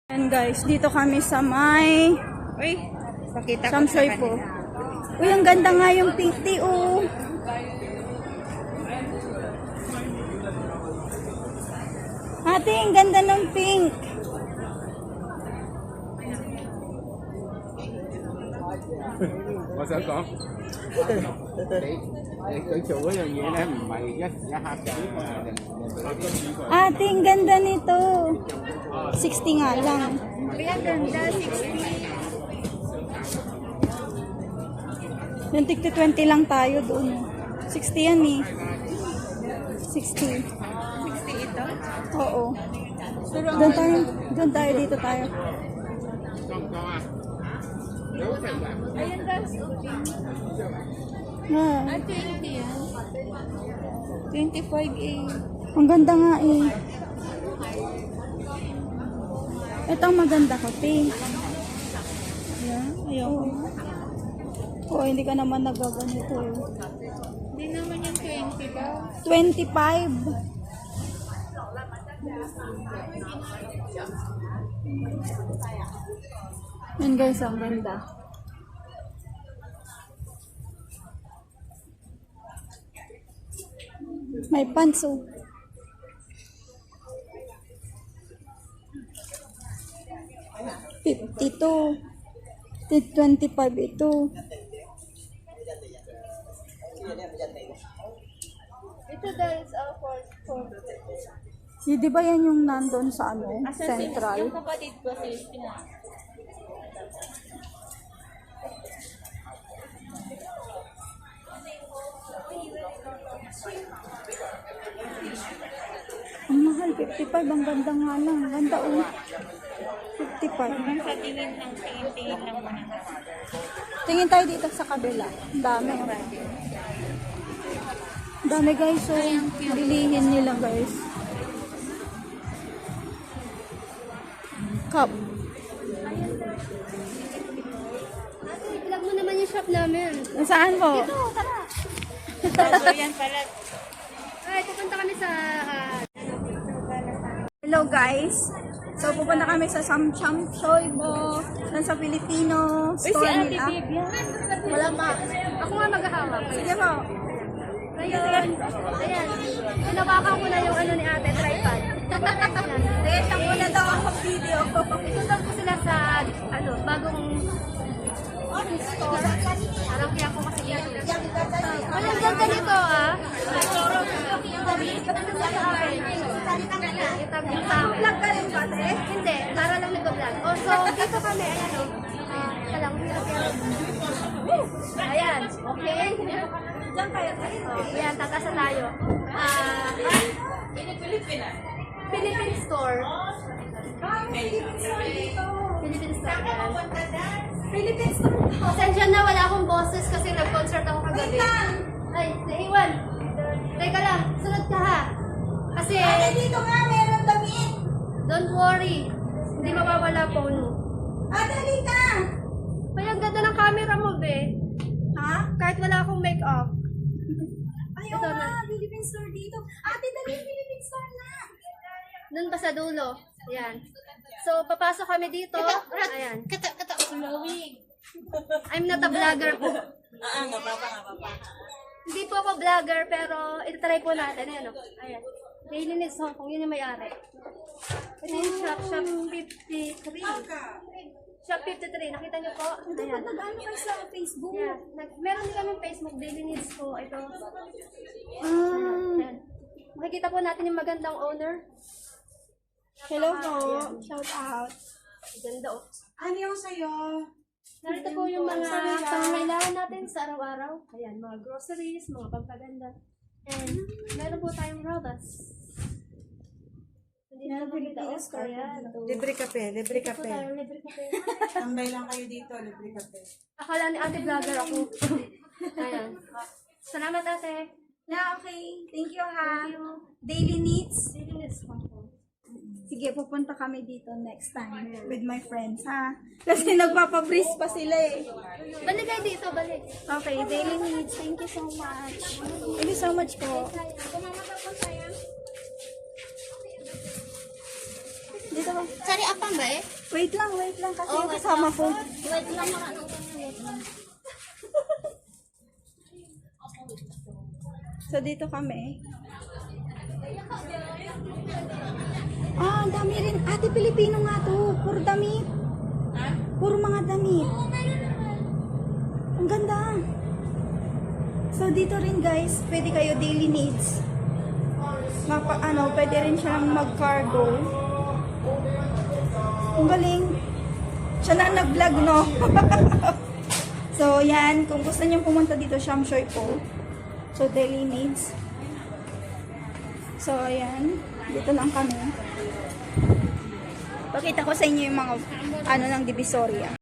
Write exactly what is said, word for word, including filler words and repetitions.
Ayan guys, dito kami sa may Uy, pakita ko Samsoy sa po. kanila. Uy, ang ganda nga yung pink tea, oh. Ate, ang ganda ng pink. Tôi sẽ có để để tự chủ là vậy đó mày dắt dắt hạt chỉ mà đừng đừng Ate, ang ganda nito. sixty nga lang. Uy, ang ganda, sixty. Yung tigti twenty lang tayo doon. sixty yan eh. sixty. sixty ito? Oo. Doon tayo, doon tayo, dito tayo. Ayan guys, Ah, ah, twenty yan. twenty-five eh. ang ganda nga eh. Ito ang maganda ko, pink. Ayan, ayaw ko. Oo, hindi ka naman nagaganito eh. Hindi naman yung twenty daw. twenty-five. Yan guys, ang ganda. May pants oh. fifty-two. twenty-five ito. Ito guys, uh, for, for Si, di ba yan yung nandun sa ano? Asa si- Central? Yung kapatid ko sa Espina. Ang mahal, fifty-five. Ang ganda nga lang. Ang ganda oh. fifty-five. Hanggang sa tingin lang, tingin-tingin lang muna. Tingin tayo dito sa kabila. Ang dami. Ang dami guys. So, bilihin nila guys. Cup. Ate, vlog mo naman yung shop namin. Saan po? Ito, tara. Bago yan pala. Ay, pupunta kami sa... ah, Hello guys. So, pupunta kami sa Samcham Shoibo. Saan sa Filipino store nila. yan. Wala pa. Ako nga maghahawak. Sige po. Ngayon, ayan. Pinawakan ko na yung ano ni ate, tripod. Ayan, siya muna daw ako video. Isundan ko sila sa, ano, bagong store. Parang kaya ko kasi dito. Walang ganda nito, ah. Itabi sa akin. Vlog ka rin ba, te? Hindi, para lang nag-vlog. Oh, so, dito kami, ayan, oh. Ah, ika lang. Ayan, okay. Diyan kayo. Oh, ayan, tatasa tayo. Ah, Philippine store. Philippine store. Philippine store. Pasensya na, wala akong boses kasi nag-concert ako kagabi. Ay, naiwan. Teka lang, sunod ka ha. Kasi, Ate, dito nga, meron damit. don't worry. Hindi mawawala phone mo. Ate, halika. Kaya ang ganda ng camera mo, be. Ha? Kahit wala akong make-up. Ayaw Ito nga, na. Philippine store dito. Ate, dali, Philippine store na. Doon pa sa dulo. Ayan. So, papasok kami dito. Ayan. Kata, kata, flowing. I'm not a vlogger po. Ah, nga pa pa, nga pa pa. Hindi po ako vlogger, pero itatry po natin. Ayan, oh. Ayan. Daily Needs Hong Kong, yun yung may-ari. Ito yung shop, shop fifty-three. Shop fifty-three, nakita niyo po? Ayan. Nag-ano kayo sa Facebook? Ayan. Nag meron din kami Facebook, Daily Needs po. Ito. Ah, Ayan. Makikita po natin yung magandang owner. hello po. Shout out. Ganda, oh. Ano yung sa'yo? Narito po yung mga pangangailangan natin sa araw-araw. Ayan, mga groceries, mga pampaganda. And meron po tayong robas. Hindi na po kita, oh. Ayan. Libre kape, libre Ito po kape. tayo, libre kape. Tambay lang kayo dito, libre kape. Akala ni ate vlogger ako. Ayan. Salamat ate. Na, okay. Thank you ha. Thank you. Daily needs. Daily Needs Hong Kong. Sige, pupunta kami dito next time with my friends, ha? Kasi nagpapabreeze pa sila eh. Balik kayo dito, balik. Okay, daily needs. Thank you so much. Thank you so much po. Kumamata po tayo. Dito ba? Cari apa mbak eh? Wait lang, wait lang kasi yung kasama ko. Wait lang mga ano wait lang. So, dito kami. Ah, ang dami rin. Ate, Pilipino nga to. Puro damit. Puro mga damit. Ang ganda. So, dito rin guys, pwede kayo daily needs. Mapa, ano, pwede rin siyang mag-cargo. Ang galing. Siya na ang nag-vlog, no? So, yan. Kung gusto niyo pumunta dito, Shamshoy po. So, daily needs. So, ayan. Dito lang kami. Pakita ko sa inyo yung mga, ano, ng Divisoria.